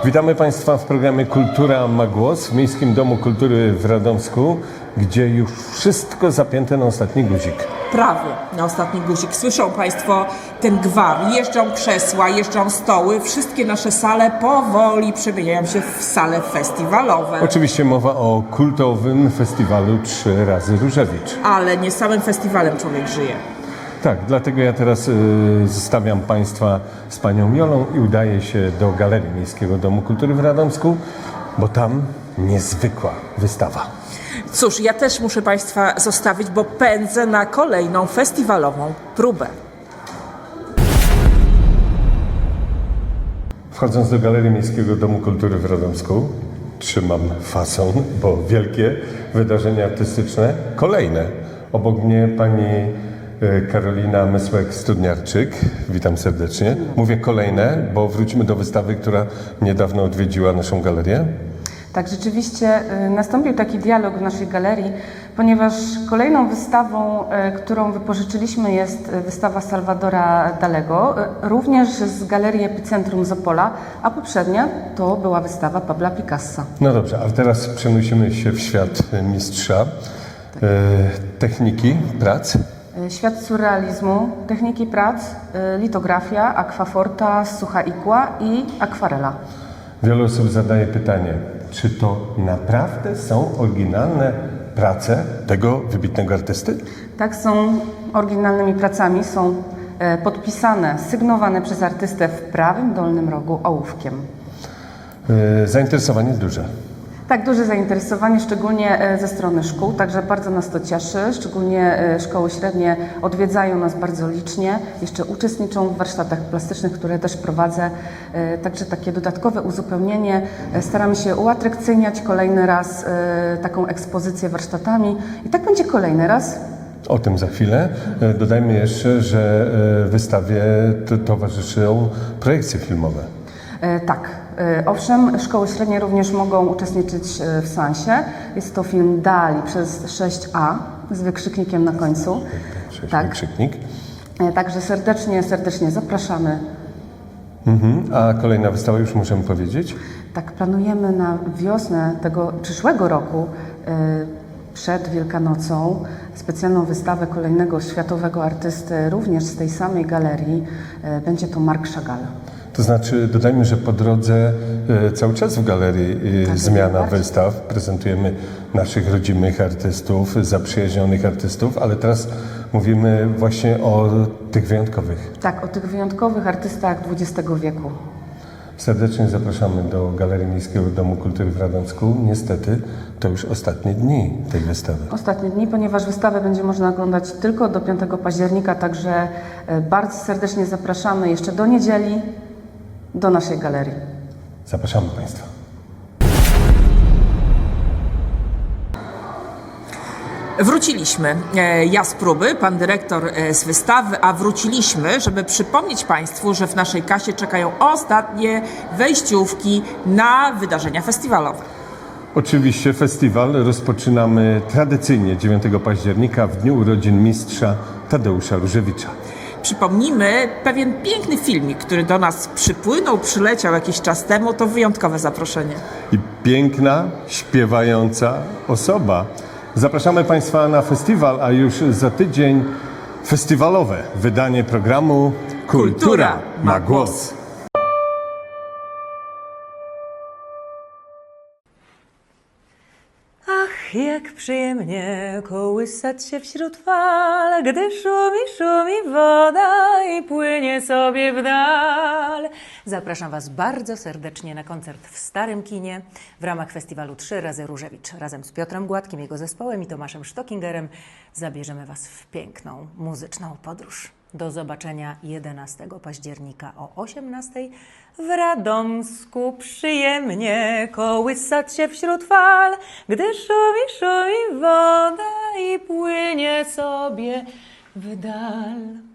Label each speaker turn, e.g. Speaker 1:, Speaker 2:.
Speaker 1: Witamy Państwa w programie Kultura ma głos w Miejskim Domu Kultury w Radomsku, gdzie już wszystko zapięte na ostatni guzik.
Speaker 2: Prawie na ostatni guzik. Słyszą Państwo ten gwar. Jeżdżą krzesła, jeżdżą stoły. Wszystkie nasze sale powoli przemieniają się w sale festiwalowe.
Speaker 1: Oczywiście mowa o kultowym festiwalu 3 razy Różewicz.
Speaker 2: Ale nie samym festiwalem człowiek żyje.
Speaker 1: Tak, dlatego ja teraz zostawiam Państwa z Panią Jolą i udaję się do Galerii Miejskiego Domu Kultury w Radomsku, bo tam niezwykła wystawa.
Speaker 2: Cóż, ja też muszę Państwa zostawić, bo pędzę na kolejną festiwalową próbę.
Speaker 1: Wchodząc do Galerii Miejskiego Domu Kultury w Radomsku, trzymam fason, bo wielkie wydarzenia artystyczne, kolejne. Obok mnie pani Karolina Mysłek-Studniarczyk. Witam serdecznie. Mówię kolejne, bo wrócimy do wystawy, która niedawno odwiedziła naszą galerię.
Speaker 3: Tak, rzeczywiście nastąpił taki dialog w naszej galerii, ponieważ kolejną wystawą, którą wypożyczyliśmy, jest wystawa Salvadora Dalego, również z Galerii Epicentrum z Opola, a poprzednia to była wystawa Pabla Picassa.
Speaker 1: No dobrze, ale teraz przenosimy się w świat mistrza techniki prac.
Speaker 3: Świat surrealizmu, techniki prac, litografia, akwaforta, sucha igła i akwarela.
Speaker 1: Wiele osób zadaje pytanie, czy to naprawdę są oryginalne prace tego wybitnego artysty?
Speaker 3: Tak, są oryginalnymi pracami, są podpisane, sygnowane przez artystę w prawym dolnym rogu ołówkiem.
Speaker 1: Zainteresowanie duże.
Speaker 3: Tak, duże zainteresowanie, szczególnie ze strony szkół, także bardzo nas to cieszy, szczególnie szkoły średnie odwiedzają nas bardzo licznie, jeszcze uczestniczą w warsztatach plastycznych, które też prowadzę, także takie dodatkowe uzupełnienie. Staramy się uatrakcyjniać kolejny raz taką ekspozycję warsztatami i tak będzie kolejny raz.
Speaker 1: O tym za chwilę. Dodajmy jeszcze, że wystawie towarzyszą projekcje filmowe.
Speaker 3: Tak, owszem, szkoły średnie również mogą uczestniczyć w seansie. Jest to film Dali przez 6A z wykrzyknikiem na końcu.
Speaker 1: Tak. Wykrzyknik.
Speaker 3: Także serdecznie zapraszamy.
Speaker 1: A kolejna wystawa już możemy powiedzieć?
Speaker 3: Tak, planujemy na wiosnę tego przyszłego roku, przed Wielkanocą, specjalną wystawę kolejnego światowego artysty, również z tej samej galerii. Będzie to Marc Chagall.
Speaker 1: To znaczy, dodajmy, że po drodze cały czas w galerii zmiana wystaw. Prezentujemy naszych rodzimych artystów, zaprzyjaźnionych artystów, ale teraz mówimy właśnie o tych wyjątkowych.
Speaker 3: Tak, o tych wyjątkowych artystach XX wieku.
Speaker 1: Serdecznie zapraszamy do Galerii Miejskiego Domu Kultury w Radomsku. Niestety to już ostatnie dni tej wystawy.
Speaker 3: Ostatnie dni, ponieważ wystawę będzie można oglądać tylko do 5 października, także bardzo serdecznie zapraszamy jeszcze do niedzieli do naszej galerii.
Speaker 1: Zapraszamy Państwa.
Speaker 2: Wróciliśmy. Ja z próby, pan dyrektor z wystawy, a wróciliśmy, żeby przypomnieć Państwu, że w naszej kasie czekają ostatnie wejściówki na wydarzenia festiwalowe.
Speaker 1: Oczywiście festiwal rozpoczynamy tradycyjnie 9 października w dniu urodzin mistrza Tadeusza Różewicza.
Speaker 2: Przypomnijmy, pewien piękny filmik, który do nas przyleciał jakiś czas temu, to wyjątkowe zaproszenie.
Speaker 1: I piękna, śpiewająca osoba. Zapraszamy Państwa na festiwal, a już za tydzień festiwalowe wydanie programu Kultura ma głos.
Speaker 4: Ach, jak przyjemnie kołysać się wśród fal, gdy szumi woda i płynie sobie w dal. Zapraszam Was bardzo serdecznie na koncert w Starym Kinie w ramach festiwalu 3 razy Różewicz. Razem z Piotrem Gładkim, jego zespołem i Tomaszem Sztokingerem zabierzemy Was w piękną, muzyczną podróż. Do zobaczenia 11 października o 18 w Radomsku. Przyjemnie kołysać się wśród fal, gdy szumi woda i płynie sobie w dal.